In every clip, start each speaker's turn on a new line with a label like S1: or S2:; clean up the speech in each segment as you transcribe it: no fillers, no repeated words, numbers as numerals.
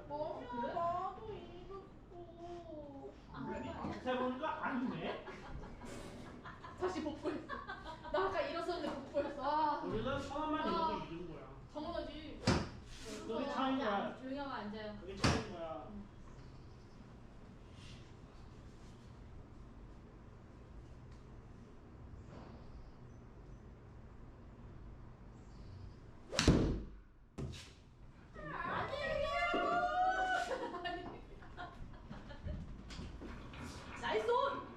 S1: 그래?
S2: 나도 이겼어.
S1: 세보니까 아니네.
S2: 다시 복구했어. 나 아까 일어섰는데 복구했어. 아.
S1: 우리는 천원만 잃어도 이긴 거야.
S2: 당연하지.
S1: 그게 차이인 거야.
S3: 조용히 하고 앉아요.
S1: 그게 차이인 거야.
S3: 나이스 온!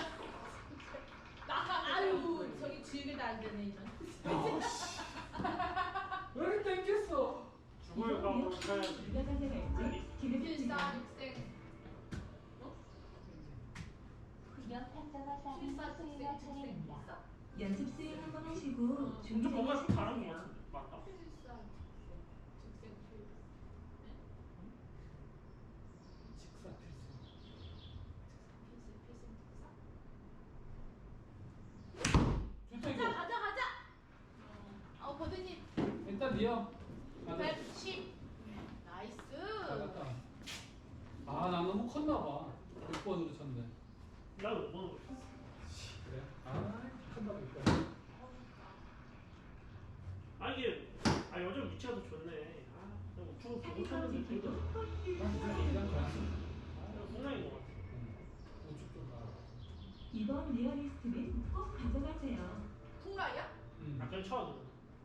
S3: 아유, 저기 주위에도 안 되네, 이런.
S4: 왜 이렇게 땡겼어?
S1: 죽을 각오를 해야지.
S5: 누가 가져갈지 기대됩니다.
S2: 필사육생.
S5: 구경 탐정화 사진
S2: 필사육생
S5: 수행할 차례입니다.
S2: 필사.
S5: 연습 수행 한번 하시고
S1: 진짜 뭔가 좀 다른 거
S5: 준비되시면
S1: 같은데. 맞다.
S2: 필사육생 필사.
S4: 직사 필수.
S2: 필사
S4: 좋다
S2: 가자
S4: 이거.
S2: 가자. 버드님
S4: 일단 니어. 맞아.
S2: 110. 나이스.
S4: 나갔다. 아, 나 너무 컸나 봐. 6번으로 쳤네.
S1: 나도 5번으로 쳤어.
S4: 그래? 아, 컸나 봐. 6번.
S1: 아 이게 요즘 위치가 더 좋네. 그냥 우측으로 보고 쳤는데 둘다
S4: 난 이장 좋았어.
S1: 공략인 것 같아.
S4: 우측 좀 가.
S5: 이번 리얼리스트는 꼭 가져가세요.
S2: 풍라이야?
S1: 약간 쳐도.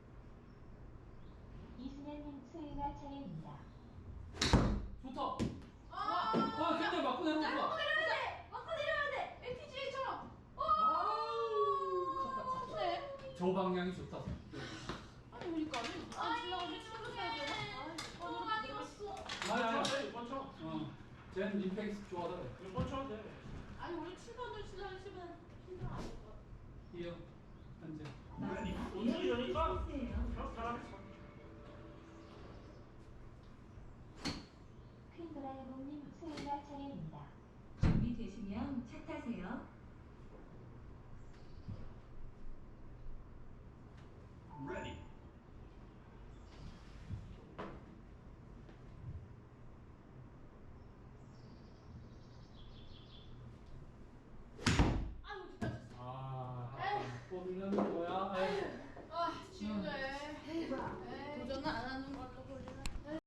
S5: 이승현님 수행할 차례입니다.
S4: 좋다.
S2: 아.
S4: 근데 맞고 내려온다.
S2: 맞고 내려야 돼. 맞고 내려야 돼. LPGA처럼.
S4: 아우, 컸다.
S2: 컸네.
S4: 저 방향이 좋다.
S2: 아니 그러니까 지나가면 치워줘야 되나? 너무 많이 갔어.
S4: 아니야.
S1: 6번 쳐.
S4: 쟤는 임팩트 좋아하더래.
S1: 6번 쳐도 돼.
S2: 아니 우리 7번을 치면 힘들어 안 될 것 같아.
S4: 이어. 현재.
S1: 우측이 되니까